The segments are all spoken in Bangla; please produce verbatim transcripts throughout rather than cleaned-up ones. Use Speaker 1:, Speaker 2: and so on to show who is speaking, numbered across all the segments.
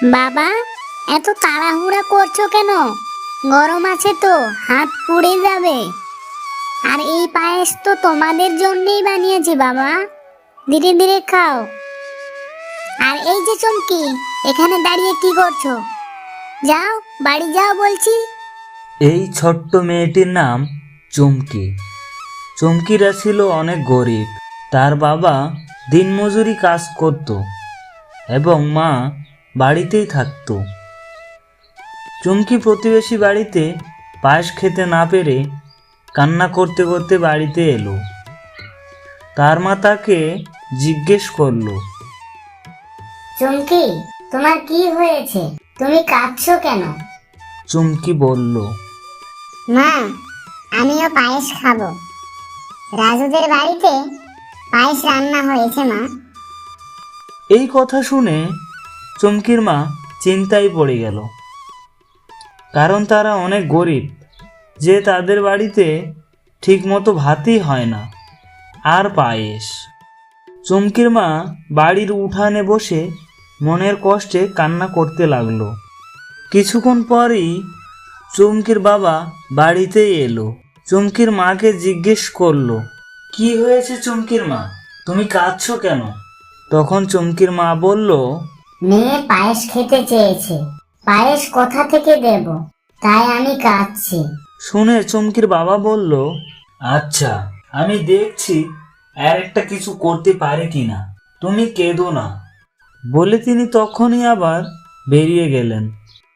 Speaker 1: বাবা, এত তাড়াহুড়া করছো কেন? গরম আছে তো, হাত পুড়ে যাবে। আর এই পায়েস তো তোমাদের জন্যই বানিয়েছি বাবা, ধীরে ধীরে খাও। আর এই যে চুমকি, এখানে দাঁড়িয়ে কি করছো? যাও, বাড়ি যাও বলছি।
Speaker 2: এই ছোট্ট মেয়েটির নাম চুমকি। চুমকিরা ছিল অনেক গরিব। তার বাবা দিনমজুরি কাজ করত এবং মা বাড়িতেই থাকত। চুমকি প্রতিবেশী বাড়িতে পায়েস খেতে না পেরে কান্না করতে করতে বাড়িতে এলো। তার মা তাকে জিজ্ঞেস করলো,
Speaker 1: চুমকি, তোমার কি হয়েছে? তুমি কাঁদছো কেন?
Speaker 2: চুমকি বলল,
Speaker 1: মা, আমিও পায়েস খাবো। রাজুদের বাড়িতে পায়েস রান্না হয়েছে মা।
Speaker 2: এই কথা শুনে চুমকির মা চিন্তায় পড়ে গেল, কারণ তারা অনেক গরিব যে তাদের বাড়িতে ঠিকমতো ভাতই হয় না, আর পায়েস। চুমকির মা বাড়ির উঠানে বসে মনের কষ্টে কান্না করতে লাগলো। কিছুক্ষণ পরেই চুমকির বাবা বাড়িতেই এলো। চুমকির মাকে জিজ্ঞেস করলো, কি হয়েছে চুমকির মা, তুমি কাঁদছো কেন? তখন চুমকির মা বলল,
Speaker 1: মেয়ে পায়েস খেতে চেয়েছে, পায়েস কোথা থেকে দেব, তাই আমি কাঁদছি।
Speaker 2: শুনে চুমকির বাবা বলল, আচ্ছা, আমি দেখছি আর একটা কিছু করতে পারে কিনা, তুমি কেঁদো না। বলে তিনি তখনই আবার বেরিয়ে গেলেন।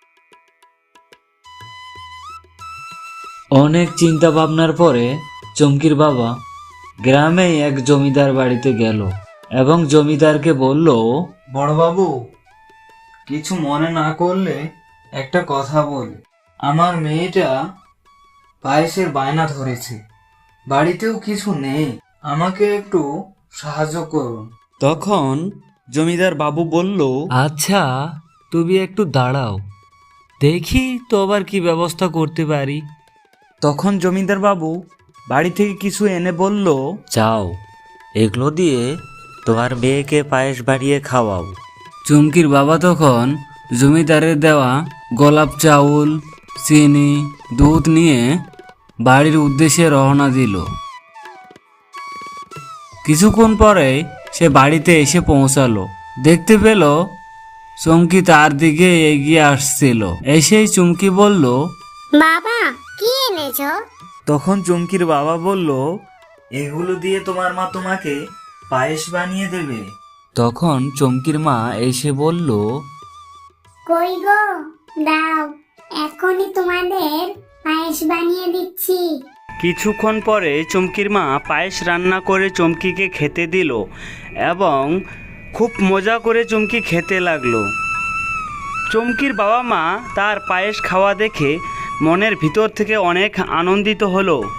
Speaker 2: অনেক চিন্তা ভাবনার পরে চুমকির বাবা গ্রামে এক জমিদার বাড়িতে গেল এবং জমিদারকে বলল, বড়বাবু, কিছু মনে না করলে একটা কথা বলি। আমার মেয়েটা পায়েসের বায়না ধরেছে, বাড়িতেও কিছু নেই, আমাকে একটু সাহায্য করুন। তখন জমিদার বাবু বলল, আচ্ছা, তুমি একটু দাঁড়াও, দেখি তো আবার কি ব্যবস্থা করতে পারি। তখন জমিদার বাবু বাড়ি থেকে কিছু এনে বলল, যাও, এগুলো দিয়ে তোমার মেয়েকে পায়েস বানিয়ে খাওয়াও। চুমকির বাবা তখন জমিদারের দেওয়া গোলাপ চাউল, চিনি, দুধ নিয়ে বাড়ির উদ্দেশ্যে রওনা দিল। কিছুক্ষণ পরে সে বাড়িতে এসে পৌঁছালো। দেখতে পেল চুমকি তার দিকে এগিয়ে আসছিল। এসেই চুমকি বলল,
Speaker 1: বাবা, কি এনেছো?
Speaker 2: তখন চুমকির বাবা বলল, এগুলো দিয়ে তোমার মা তোমাকে পায়েস বানিয়ে দেবে। তখন চুমকির মা এসে বলল,
Speaker 1: কই গো, দাও, এখনই তোমাদের পায়েস বানিয়ে দিচ্ছি।
Speaker 3: কিছুক্ষণ পরে চুমকির মা পায়েস রান্না করে চুমকিকে খেতে দিল এবং খুব মজা করে চুমকি খেতে লাগলো। চুমকির বাবা মা তার পায়েস খাওয়া দেখে মনের ভিতর থেকে অনেক আনন্দিত হলো।